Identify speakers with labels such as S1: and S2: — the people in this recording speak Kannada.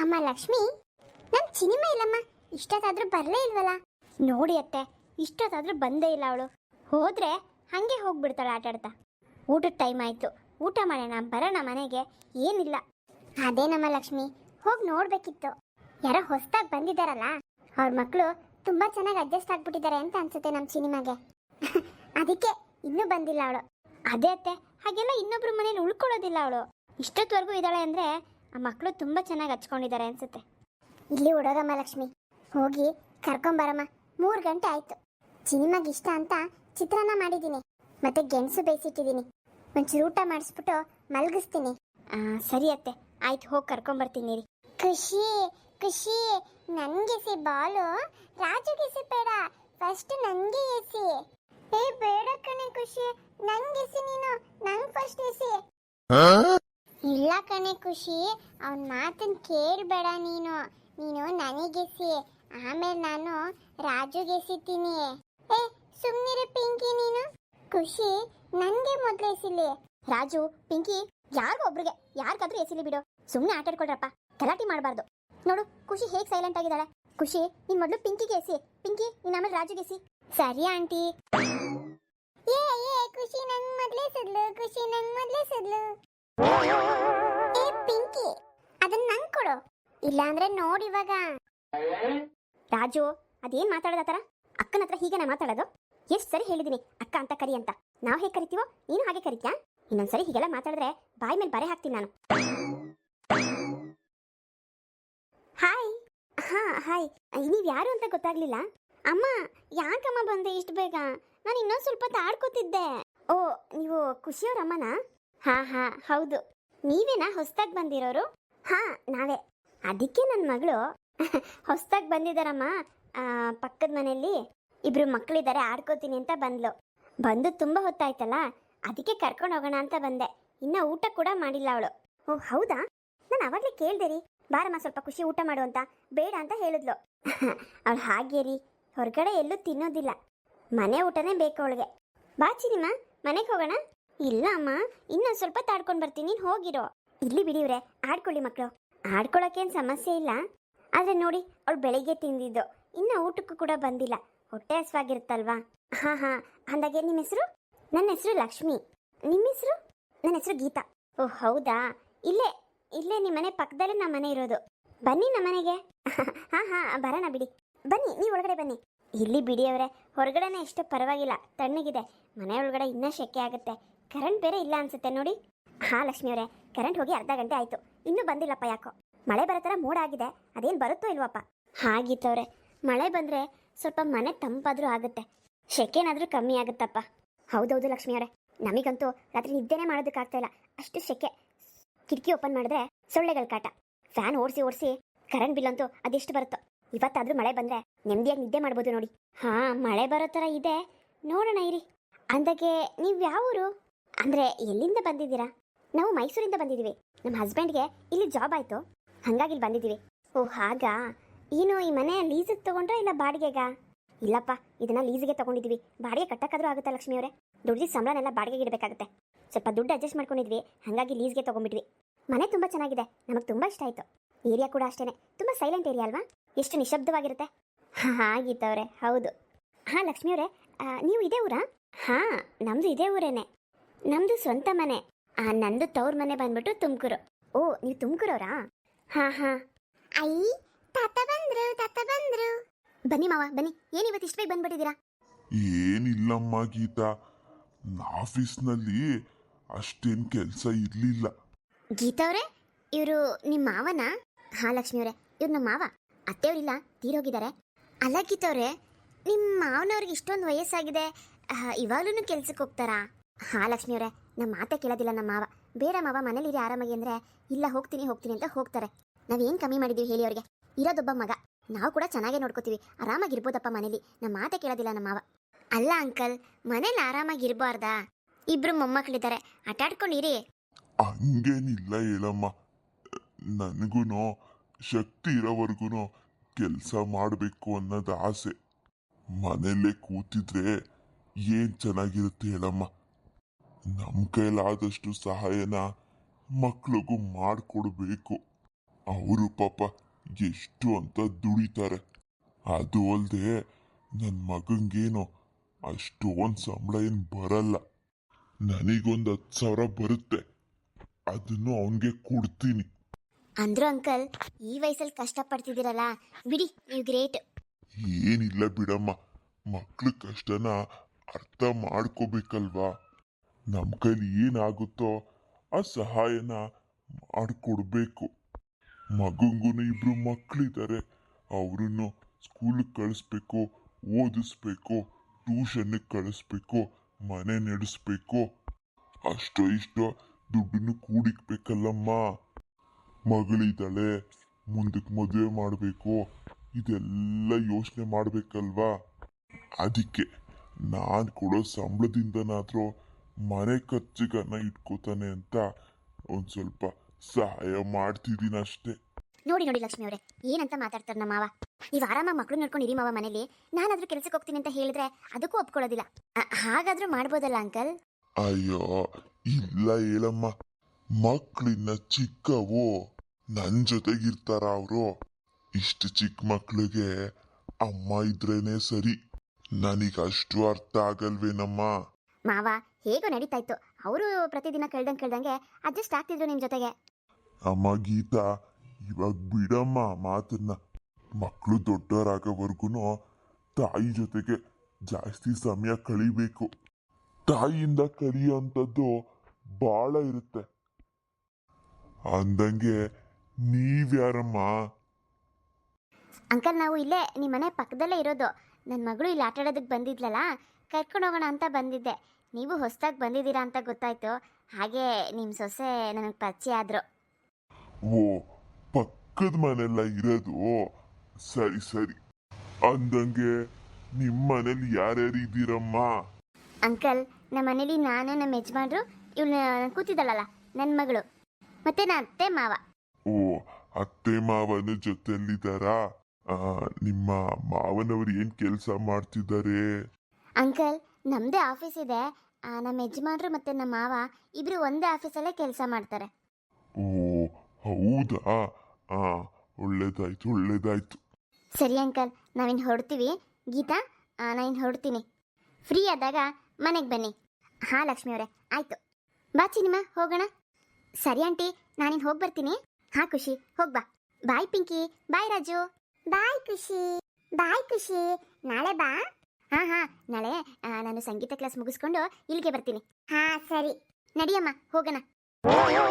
S1: ಅಮ್ಮ ಲಕ್ಷ್ಮಿ, ನಮ್ ಚಿನಿಮ ಇಲ್ಲಮ್ಮ, ಇಷ್ಟೊತ್ತಾದ್ರೂ ಬರಲೇ ಇಲ್ವಲ್ಲ? ನೋಡಿ ಅತ್ತೆ, ಇಷ್ಟೊತ್ತಾದ್ರೂ ಬಂದೇ ಇಲ್ಲ ಅವಳು. ಹೋದ್ರೆ ಹಂಗೆ ಹೋಗ್ಬಿಡ್ತಾಳೆ ಆಟಾಡ್ತಾ. ಊಟದ ಟೈಮ್ ಆಯ್ತು, ಊಟ ಮಾಡೋಣ ಬರೋಣ ಮನೆಗೆ, ಏನಿಲ್ಲ. ಅದೇನಮ್ಮ ಲಕ್ಷ್ಮಿ, ಹೋಗಿ ನೋಡ್ಬೇಕಿತ್ತು. ಯಾರೋ ಹೊಸದಾಗಿ ಬಂದಿದ್ದಾರಲ್ಲ, ಅವ್ರ ಮಕ್ಕಳು ತುಂಬಾ ಚೆನ್ನಾಗಿ ಅಡ್ಜಸ್ಟ್ ಆಗ್ಬಿಟ್ಟಿದ್ದಾರೆ ಅಂತ ಅನ್ಸುತ್ತೆ ನಮ್ಮ ಸಿನಿಮಾಗೆ. ಅದಕ್ಕೆ ಇನ್ನೂ ಬಂದಿಲ್ಲ ಅವಳು. ಅದೇ ಅತ್ತೆ, ಹಾಗೆಲ್ಲ ಇನ್ನೊಬ್ರು ಮನೇಲಿ ಉಳ್ಕೊಳ್ಳೋದಿಲ್ಲ ಅವಳು. ಇಷ್ಟೊತ್ತವರೆಗೂ ಇದ್ದಾಳೆ ಅಂದ್ರೆ ಆ ಮಕ್ಕಳು ತುಂಬಾ ಚೆನ್ನಾಗಿ ಹಚ್ಕೊಂಡಿದ್ದಾರೆ ಅನ್ಸುತ್ತೆ. ಇಲ್ಲಿ ಹುಡುಗಮ್ಮ ಲಕ್ಷ್ಮಿ, ಹೋಗಿ ಕರ್ಕೊಂಬರಮ್ಮ. 3 ಗಂಟೆ ಆಯ್ತು. ಸಿನಿಮಾಗೆ ಇಷ್ಟ ಅಂತ ಚಿತ್ರಾನ್ನ ಮಾಡಿದ್ದೀನಿ, ಮತ್ತೆ ಗೆಣಸು ಬೇಯಿಸಿಟ್ಟಿದ್ದೀನಿ. ಒಂಚೂರು ಊಟ ಮಾಡಿಸ್ಬಿಟ್ಟು ಮಲಗಿಸ್ತೀನಿ. ಸರಿ ಅತ್ತೆ, ಆಯ್ತು, ಹೋಗಿ ಕರ್ಕೊಂಬರ್ತೀನಿ ರೀ. ಖುಷಿ ಖುಷಿ, ನನ್ಗೆ ಎಸಿ ಬಾಲು, ರಾಜುಗೆ ಎಸಿ ಬೇಡ, ಫಸ್ಟ್ ನನ್ಗೆ ಎಸಿ. ಏ ಬೇಡ ಕಣೆ ಖುಷಿ, ನಂಗೆ ಎಸಿ ನೀನು, ನಂಗೆ ಫಸ್ಟ್ ಎಸಿ. ಇಲ್ಲ ಕಣೆ ಖುಷಿ, ಅವನ ಮಾತನ್ನ ಕೇಳಬೇಡ ನೀನು. ನೀನು ನನಗೆಸಿ, ಆಮೇಲೆ ನಾನು ರಾಜುಗೆ ಎಸಿತೀನಿ. ಏ ಸುಮ್ಮನಿರು ಪಿಂಕಿ ನೀನು. ಖುಷಿ ನನ್ಗೆ ಮೊದಲು ಎಸಿಲಿ. ರಾಜು ಪಿಂಕಿ ಯಾರಿಗೊಬ್ರಿಗೆ ಯಾರಿಗಾದ್ರೂ ಎಸಿಲಿ ಬಿಡು, ಸುಮ್ಮನೆ ಆಟಾಡ್ಕೊಳ್ರಪ್ಪ, ಗಲಾಟೆ ಮಾಡಬಾರ್ದು. ನೋಡು ಖುಷಿ ಹೇಗೆ ಸೈಲೆಂಟ್ ಆಗಿದ್ದಾಳೆ. ಖುಷಿ ನೀನ್ ಮೊದಲು ಪಿಂಕಿಗೆ ಎಸಿ, ಪಿಂಕಿ ನೀನ್ ಆಮೇಲೆ ರಾಜುಗೆ ಎಸಿ. ಸರಿ ಆಂಟಿ. ಏ ಏ ಖುಷಿ ನಂಗೆ ಮೊದಲೇ ಎಸೆದ್ಲು, ಖುಷಿ ನಂಗೆ ಮೊದಲೇ ಎಸೆದ್ಲು. ಏ ಪಿಂಕಿ ಅದನ್ನ ನಂಗೆ ಕೊಡು, ಇಲ್ಲಾಂದ್ರೆ ನೋಡಿ ಇವಾಗ. ರಾಜು ಅದೇನ್ ಮಾತಾಡೋದ ತರ? ಅಕ್ಕನ ಹತ್ರ ಹೀಗೆ ಮಾತಾಡೋದು? ಎಷ್ಟು ಸರಿ ಹೇಳಿದೀನಿ ಅಕ್ಕ ಅಂತ ಕರಿ ಅಂತ. ನಾವು ಹೇಗೆ ಕರಿತೀವೋ ನೀನು ಹಾಗೆ ಕರಿತ್ಯಾ? ಇನ್ನೊಂದ್ಸರಿ ಹೀಗೆಲ್ಲ ಮಾತಾಡಿದ್ರೆ ಬಾಯಿ ಮೇಲೆ ಬರೆ ಹಾಕ್ತೀನಿ ನಾನು. ಹಾಯ್. ಹಾ ಹಾಯ್, ನೀವ್ ಯಾರು ಅಂತ ಗೊತ್ತಾಗ್ಲಿಲ್ಲ. ಅಮ್ಮ ಯಾಕಮ್ಮ ಬಂದೆ ಇಷ್ಟು ಬೇಗ? ನಾನು ಇನ್ನೊಂದು ಸ್ವಲ್ಪ ಆಡ್ಕೋತಿದ್ದೆ. ಓ ನೀವು ಖುಷಿಯವ್ರ ಅಮ್ಮನಾ? ಹಾ ಹಾ ಹೌದು. ನೀವೇನಾ ಹೊಸ್ದಾಗಿ ಬಂದಿರೋರು? ಹಾ ನಾವೇ. ಅದಕ್ಕೆ ನನ್ನ ಮಗಳು ಹೊಸ್ದಾಗಿ ಬಂದಿದ್ದಾರಮ್ಮ, ಪಕ್ಕದ ಮನೆಯಲ್ಲಿ ಇಬ್ರು ಮಕ್ಕಳಿದ್ದಾರೆ, ಆಡ್ಕೋತೀನಿ ಅಂತ ಬಂದ್ಲು. ಬಂದು ತುಂಬ ಹೊತ್ತಾಯ್ತಲ್ಲ, ಅದಕ್ಕೆ ಕರ್ಕೊಂಡು ಹೋಗೋಣ ಅಂತ ಬಂದೆ. ಇನ್ನ ಊಟ ಕೂಡ ಮಾಡಿಲ್ಲ ಅವಳು. ಓ ಹೌದಾ? ನಾನು ಅವಾಗಲೇ ಕೇಳ್ದೆ ರೀ, ಬಾರಮ್ಮ ಸ್ವಲ್ಪ ಖುಷಿ ಊಟ ಮಾಡು ಅಂತ. ಬೇಡ ಅಂತ ಹೇಳಿದ್ಲು. ಅವಳು ಹಾಗೆ ರೀ, ಹೊರಗಡೆ ಎಲ್ಲೂ ತಿನ್ನೋದಿಲ್ಲ, ಮನೆ ಊಟನೇ ಬೇಕು ಅವಳಿಗೆ. ಬಾ ಚಿನಿಮಾ ಮನೆಗೆ ಹೋಗೋಣ. ಇಲ್ಲ ಅಮ್ಮ, ಇನ್ನೊಂದು ಸ್ವಲ್ಪ ತಾಡ್ಕೊಂಡು ಬರ್ತೀನಿ, ನೀನು ಹೋಗಿರೋ. ಇಲ್ಲಿ ಬಿಡಿವ್ರೆ, ಆಡ್ಕೊಳ್ಳಿ ಮಕ್ಕಳು, ಆಡ್ಕೊಳ್ಳೋಕ್ಕೇನು ಸಮಸ್ಯೆ ಇಲ್ಲ. ಆದರೆ ನೋಡಿ, ಅವಳು ಬೆಳಿಗ್ಗೆ ತಿಂದಿದ್ದು, ಇನ್ನು ಊಟಕ್ಕೂ ಕೂಡ ಬಂದಿಲ್ಲ, ಹೊಟ್ಟೆ ಹಸ್ವಾಗಿರುತ್ತಲ್ವಾ. ಹಾ ಹಾ, ಅಂದಾಗೆ ನಿಮ್ಮ ಹೆಸರು? ನನ್ನ ಹೆಸರು ಲಕ್ಷ್ಮಿ. ನಿಮ್ಮ ಹೆಸರು? ನನ್ನ ಹೆಸರು ಗೀತಾ. ಓ ಹೌದಾ, ಇಲ್ಲೇ ಇಲ್ಲೇ ನಿಮ್ಮ ಮನೆ ಪಕ್ಕದಲ್ಲೇ ನಮ್ಮ ಮನೆ ಇರೋದು. ಬನ್ನಿ ನಮ್ಮ ಮನೆಗೆ. ಹಾ ಹಾ ಬರೋಣ ಬಿಡಿ, ಬನ್ನಿ ನೀವು ಒಳಗಡೆ ಬನ್ನಿ. ಇಲ್ಲಿ ಬಿಡಿಯವರೇ, ಹೊರಗಡೆನೇ ಎಷ್ಟು ಪರವಾಗಿಲ್ಲ, ತಣ್ಣಗಿದೆ. ಮನೆ ಒಳಗಡೆ ಇನ್ನೂ ಶೆಕೆ ಆಗುತ್ತೆ. ಕರೆಂಟ್ ಬೇರೆ ಇಲ್ಲ ಅನ್ಸುತ್ತೆ ನೋಡಿ. ಹಾ ಲಕ್ಷ್ಮಿಯವರೇ, ಕರೆಂಟ್ ಹೋಗಿ ಅರ್ಧ ಗಂಟೆ ಆಯಿತು, ಇನ್ನೂ ಬಂದಿಲ್ಲಪ್ಪ. ಯಾಕೋ ಮಳೆ ಬರೋ ಥರ ಮೋಡ ಆಗಿದೆ, ಅದೇನು ಬರುತ್ತೋ ಇಲ್ವಪ್ಪ. ಹಾಗಿತ್ತವ್ರೆ, ಮಳೆ ಬಂದರೆ ಸ್ವಲ್ಪ ಮನೆ ತಂಪಾದರೂ ಆಗುತ್ತೆ, ಶೆಕೆನಾದರೂ ಕಮ್ಮಿ ಆಗುತ್ತಪ್ಪ. ಹೌದೌದು ಲಕ್ಷ್ಮಿಯವರೇ, ನಮಗಂತೂ ರಾತ್ರಿ ನಿದ್ದೆನೇ ಮಾಡೋದಕ್ಕಾಗ್ತಾ ಇಲ್ಲ, ಅಷ್ಟು ಶೆಕೆ. ಕಿಟಕಿ ಓಪನ್ ಮಾಡಿದ್ರೆ ಸೊಳ್ಳೆಗಳ ಕಾಟ. ಫ್ಯಾನ್ ಓಡಿಸಿ ಕರೆಂಟ್ ಬಿಲ್ ಅಂತೂ ಅದೆಷ್ಟು ಬರುತ್ತೋ. ಇವತ್ತಾದರೂ ಮಳೆ ಬಂದರೆ ನೆಮ್ಮದಿಯಾಗಿ ನಿದ್ದೆ ಮಾಡ್ಬೋದು ನೋಡಿ. ಹಾಂ ಮಳೆ ಬರೋ ಥರ ಇದೆ, ನೋಡೋಣ ಇರಿ. ಅಂದಾಗೆ ನೀವು ಯಾವ ಊರು? ಅಂದರೆ ಎಲ್ಲಿಂದ ಬಂದಿದ್ದೀರಾ? ನಾವು ಮೈಸೂರಿಂದ ಬಂದಿದ್ದೀವಿ. ನಮ್ಮ ಹಸ್ಬೆಂಡ್ಗೆ ಇಲ್ಲಿ ಜಾಬ್ ಆಯಿತು, ಹಾಗಾಗಿ ಇಲ್ಲಿ ಬಂದಿದ್ದೀವಿ. ಓ ಹಾಗಾ? ಏನು ಈ ಮನೆ ಲೀಸಿಗೆ ತೊಗೊಂಡ್ರಾ ಇಲ್ಲ ಬಾಡಿಗೆಗಾ? ಇಲ್ಲಪ್ಪ, ಇದನ್ನು ಲೀಸಿಗೆ ತೊಗೊಂಡಿದ್ದೀವಿ. ಬಾಡಿಗೆ ಕಟ್ಟಕ್ಕಾದರೂ ಆಗುತ್ತಾ ಲಕ್ಷ್ಮಿಯವರೇ? ದುಡ್ಡಿದ ಸಂಬಳನೆಲ್ಲ ಬಾಡಿಗೆಗೆ ಇಡಬೇಕಾಗುತ್ತೆ. ಸ್ವಲ್ಪ ದುಡ್ಡು ಅಡ್ಜಸ್ಟ್ ಮಾಡ್ಕೊಂಡಿದ್ವಿ, ಹಾಗಾಗಿ ಲೀಸ್ಗೆ ತೊಗೊಂಡ್ಬಿಟ್ವಿ. ಮನೆ ತುಂಬ ಚೆನ್ನಾಗಿದೆ, ನಮಗೆ ತುಂಬ ಇಷ್ಟ ಆಯಿತು. ಏರಿಯಾ ಕೂಡ ಅಷ್ಟೇ, ತುಂಬ ಸೈಲೆಂಟ್ ಏರಿಯಾ ಅಲ್ವಾ? ಎಷ್ಟು ನಿಶಬ್ದವಾಗಿರುತ್ತೆ. ಹಾಗಿತ್ತವ್ರೆ, ಹೌದು. ಹಾಂ ಲಕ್ಷ್ಮಿಯವರೇ, ನೀವು ಇದೇ ಊರಾ? ಹಾಂ ನಮ್ಮದು ಇದೇ ಊರೇನೆ, ನಮ್ಮದು ಸ್ವಂತ ಮನೆ. ನಂದು ತವ್ರ ಮನೆ ಬಂದ್ಬಿಟ್ಟು ತುಮಕೂರು. ಓ ನೀವು ತುಮಕೂರವರಾ? ಹಾಂ ಹಾಂ. ಐ ತಾತ ಬಂದ್ರು. ಬನ್ನಿ ಮಾವ ಬನ್ನಿ, ಏನು ಇವತ್ತು ಇಷ್ಟು ಬೇಗ ಬಂದ್ಬಿಟ್ಟಿದ್ದೀರಾ?
S2: ಏನಿಲ್ಲಮ್ಮ ಗೀತಾ, ಆಫೀಸ್ನಲ್ಲಿ ಅಷ್ಟೇನು ಕೆಲಸ ಇರಲಿಲ್ಲ.
S1: ಗೀತಾ ಅವರೇ, ಇವರು ನಿಮ್ಮ ಮಾವನಾ? ಹಾಂ ಲಕ್ಷ್ಮಿಯವರೇ, ಇವ್ರು ನಮ್ಮ ಮಾವ. ಅತ್ತೆಯವರಿಲ್ಲ, ತೀರೋಗಿದ್ದಾರೆ. ಅಲ್ಲ ಗೀತಾ ಅವರೇ, ನಿಮ್ಮ ಮಾವನವ್ರಿಗೆ ಇಷ್ಟೊಂದು ವಯಸ್ಸಾಗಿದೆ, ಇವಾಗಲೂ ಕೆಲ್ಸಕ್ಕೆ ಹೋಗ್ತಾರಾ? ಹಾಂ ಲಕ್ಷ್ಮಿಯವರೇ, ನಮ್ಮ ಮಾತೆ ಕೇಳೋದಿಲ್ಲ ನಮ್ಮ ಮಾವ. ಬೇಡ ಮಾವ ಮನೇಲಿರಿ ಆರಾಮಾಗಿ ಅಂದರೆ, ಇಲ್ಲ ಹೋಗ್ತೀನಿ ಅಂತ ಹೋಗ್ತಾರೆ. ನಾವೇನು ಕಮ್ಮಿ ಮಾಡಿದ್ದೀವಿ ಹೇಳಿ ಅವ್ರಿಗೆ? ಇರೋದೊಬ್ಬ ಮಗ, ನಾವು ಕೂಡ ಚೆನ್ನಾಗೇ ನೋಡ್ಕೋತೀವಿ, ಆರಾಮಾಗಿರ್ಬೋದಪ್ಪ ಮನೇಲಿ. ನಮ್ಮ ಮಾತೆ ಕೇಳೋದಿಲ್ಲ ನಮ್ಮ ಮಾವ. ಅಲ್ಲ ಅಂಕಲ್, ಮನೇಲಿ ಆರಾಮಾಗಿರ್ಬಾರ್ದಾ? ಇಬ್ರು ಮೊಮ್ಮಕ್ಕಳಿದ್ದಾರೆ, ಆಟಾಡ್ಕೊಂಡಿರಿ.
S2: ಹಂಗೇನಿಲ್ಲ ಹೇಳಮ್ಮ, ನನಗೂ ಶಕ್ತಿ ಇರೋವರೆಗೂ ಕೆಲಸ ಮಾಡಬೇಕು ಅನ್ನೋದು ಆಸೆ. ಮನೆಯಲ್ಲೇ ಕೂತಿದ್ರೆ ಏನು ಚೆನ್ನಾಗಿರುತ್ತೆ ಹೇಳಮ್ಮ. ನಮ್ಮ ಕೈಲಾದಷ್ಟು ಸಹಾಯನ ಮಕ್ಳಿಗೂ ಮಾಡಿಕೊಡ್ಬೇಕು. ಅವರು ಪಾಪ ಎಷ್ಟು ಅಂತ ದುಡಿತಾರೆ. ಅದು ಅಲ್ಲದೆ ನನ್ನ ಮಗಂಗೇನೋ ಅಷ್ಟೊಂದು ಸಂಬಳ ಏನು ಬರಲ್ಲ. ನನಗೊಂದು 10,000 ಬರುತ್ತೆ, ಅದನ್ನು ಅವನಿಗೆ ಕೊಡ್ತೀನಿ.
S1: ಅಂದ್ರು ಅಂಕಲ್, ಈ ವಯಸ್ಸಲ್ಲಿ ಕಷ್ಟಪಡ್ತಿದ್ದೀರಲ್ಲ, ಬಿಡಿ, ನೀವು ಗ್ರೇಟ್.
S2: ಏನಿಲ್ಲ ಬಿಡಮ್ಮ, ಮಕ್ಳ ಕಷ್ಟನ ಅರ್ಥ ಮಾಡ್ಕೋಬೇಕಲ್ವಾ. ನಮ್ಮ ಕೈಲಿ ಏನಾಗುತ್ತೋ ಆ ಸಹಾಯನ ಮಾಡಿಕೊಡ್ಬೇಕು. ಮಗಂಗೂ ಇಬ್ರು ಮಕ್ಕಳಿದ್ದಾರೆ, ಅವ್ರನ್ನು ಸ್ಕೂಲಿಗೆ ಕಳಿಸ್ಬೇಕು, ಓದಿಸ್ಬೇಕು, ಟ್ಯೂಷನ್ನಿಗೆ ಕಳಿಸ್ಬೇಕು, ಮನೆ ನಡೆಸ್ಬೇಕು. ಅಷ್ಟೋ ಇಷ್ಟೋ ದುಡ್ಡನ್ನು ಕೂಡಿಕ್ಬೇಕಲ್ಲಮ್ಮ. ಮಗಳಿದ್ದಾಳೆ, ಮುಂದಕ್ಕೆ ಮದುವೆ ಮಾಡಬೇಕು, ಇದೆಲ್ಲ ಯೋಚನೆ ಮಾಡಬೇಕಲ್ವಾ. ಅದಕ್ಕೆ ನಾನು ಕೊಡೋ ಸಂಬಳದಿಂದನಾದರೂ ಮನೆ ಖರ್ಚಿಗನ್ನ ಇಟ್ಕೋತಾನೆ ಅಂತ ಒಂದು ಸ್ವಲ್ಪ ಸಹಾಯ ಮಾಡ್ತಿದ್ದೀನಿ ಅಷ್ಟೇ.
S1: ನೋಡಿ ನೋಡಿ ಲಕ್ಷ್ಮಿ ಅವರೇ, ಏನಂತ ಮಾತಾಡ್ತಾರೆ ನಮ್ಮ ಮಾವ. ನೀವು ಆರಾಮಾಗಿ ಮಕ್ಕಳು ನೋಡ್ಕೊಂಡು ಇರಿ ಮಾವ ಮನೇಲಿ. ನಾನಾದ್ರೂ ಕೆಲಸಕ್ಕೆ ಹೋಗ್ತೀನಿ ಅಂತ ಹೇಳಿದ್ರೆ ಅದಕ್ಕೂ ಒಪ್ಕೊಳ್ಳೋದಿಲ್ಲ. ಹಾಗಾದ್ರೂ ಮಾಡ್ಬೋದಲ್ಲ ಅಂಕಲ್?
S2: ಅಯ್ಯೋ ಇಲ್ಲ ಹೇಳಮ್ಮ, ಮಕ್ಕಳಿನ್ನ ಚಿಕ್ಕವು, ನನ್ನ ಜೊತೆಗಿರ್ತಾರ ಅವರು. ಇಷ್ಟು ಚಿಕ್ಕ ಮಕ್ಳಿಗೆ ಅಮ್ಮ ಇದ್ರೇನೆ ಸರಿ. ನನಗಷ್ಟು ಅರ್ಥ ಆಗಲ್ವೇನಮ್ಮ.
S1: ಮಾವ ಹೇಗೋ ನಡೀತಾ ಇತ್ತು, ಅವರು ಪ್ರತಿದಿನ ಕೇಳ್ದಂಗೆ ಅಡ್ಜಸ್ಟ್ ಆಗ್ತಿದ್ರು ನಿಮ್ಮ ಜೊತೆಗೆ.
S2: ಅಮ್ಮ ಗೀತಾ, ಇವಾಗ ಬಿಡಮ್ಮ ಮಾತನ್ನ. ಮಕ್ಕಳು ದೊಡ್ಡವರಾಗೋವರೆಗೂ ತಾಯಿ ಜೊತೆಗೆ ಜಾಸ್ತಿ ಸಮಯ ಕಳಿಬೇಕು. ತಾಯಿಯಿಂದ ಕಲಿಯೋಂಥದ್ದು ಭಾಳ ಇರುತ್ತೆ. ಅಂದಂಗೆ ನೀವ್ಯಾರಮ್ಮ?
S1: ಅಂಕಲ್, ನಾವು ಇಲ್ಲೇ ನಿಮ್ಮ ಮನೆ ಪಕ್ಕದಲ್ಲೇ ಇರೋದು. ನನ್ನ ಮಗಳು ಇಲ್ಲಿ ಆಟ ಆಡೋದಕ್ಕೆ ಬಂದಿದ್ಲಲ್ಲ, ಕರ್ಕೊಂಡು ಹೋಗೋಣ ಅಂತ ಬಂದಿದ್ದೆ. ನೀವು ಹೊಸದಾಗಿ ಬಂದಿದ್ದೀರಾ ಅಂತ ಗೊತ್ತಾಯ್ತು, ಹಾಗೆ ನಿಮ್ಮ ಸೊಸೆ ನನಗೆ ಪರಿಚಯ ಆದರು.
S2: ಓ, ಪಕ್ಕದ ಮನೆಲ್ಲ ಇರೋದು? ಸರಿ ಸರಿ. ಅಂದಂಗೆ ನಿಮ್ಮ ಮನೇಲಿ ಯಾರ್ಯಾರು ಇದ್ದೀರಮ್ಮ?
S1: ಅಂಕಲ್, ನಮ್ಮ ಮನೇಲಿ ನಾನು, ನಮ್ಮ ಯಜಮಾನ್ರು, ಇವಳು ಕೂತಿದ್ದಾಳಲ್ಲ ನನ್ನ ಮಗಳು, ಮತ್ತೆ ನನ್ನ ಅತ್ತೆ ಮಾವ.
S2: ಓ, ಅತ್ತೆ ಮಾವನ ಜೊತೆಯಲ್ಲಿದ್ದಾರಾ? ನಿಮ್ಮ ಮಾವನವರು ಏನ್ ಕೆಲಸ ಮಾಡ್ತಿದ್ದಾರೆ?
S1: ಅಂಕಲ್, ನಮ್ಮದೇ ಆಫೀಸ್ ಇದೆ. ನಮ್ಮ ಯಜಮಾನ್ರು ಮತ್ತು ನಮ್ಮ ಮಾವ ಇಬ್ಬರು ಒಂದೇ ಆಫೀಸಲ್ಲೇ ಕೆಲಸ ಮಾಡ್ತಾರೆ.
S2: ಓ ಹೌದಾ? ಒಳ್ಳೇದಾಯ್ತು ಒಳ್ಳೇದಾಯ್ತು.
S1: ಸರಿ ಅಂಕಲ್, ನಾವಿನ್ನು ಹೊರಡ್ತೀವಿ. ಗೀತಾ, ನಾನಿನ್ನು ಹೊರಡ್ತೀನಿ. ಫ್ರೀ ಆದಾಗ ಮನೆಗೆ ಬನ್ನಿ. ಹಾಂ ಲಕ್ಷ್ಮಿ ಅವರೇ, ಆಯಿತು. ಬಾ ಚಿನಿಮಾ, ಹೋಗೋಣ. ಸರಿ ಆಂಟಿ, ನಾನಿನ್ನು ಹೋಗಿ ಬರ್ತೀನಿ. ಹಾಂ ಖುಷಿ, ಹೋಗ್ಬಾ. ಬಾಯ್ ಪಿಂಕಿ, ಬಾಯ್ ರಾಜು. ಬಾಯ್ ಖುಷಿ, ಬಾಯ್ ಖುಷಿ. ನಾಳೆ ಬಾ. ಹಾಂ, ನಾಳೆ ನಾನು ಸಂಗೀತ ಕ್ಲಾಸ್ ಮುಗಿಸ್ಕೊಂಡು ಇಲ್ಲಿಗೆ ಬರ್ತೀನಿ. ಹಾಂ ಸರಿ, ನಡಿಯಮ್ಮ ಹೋಗೋಣ.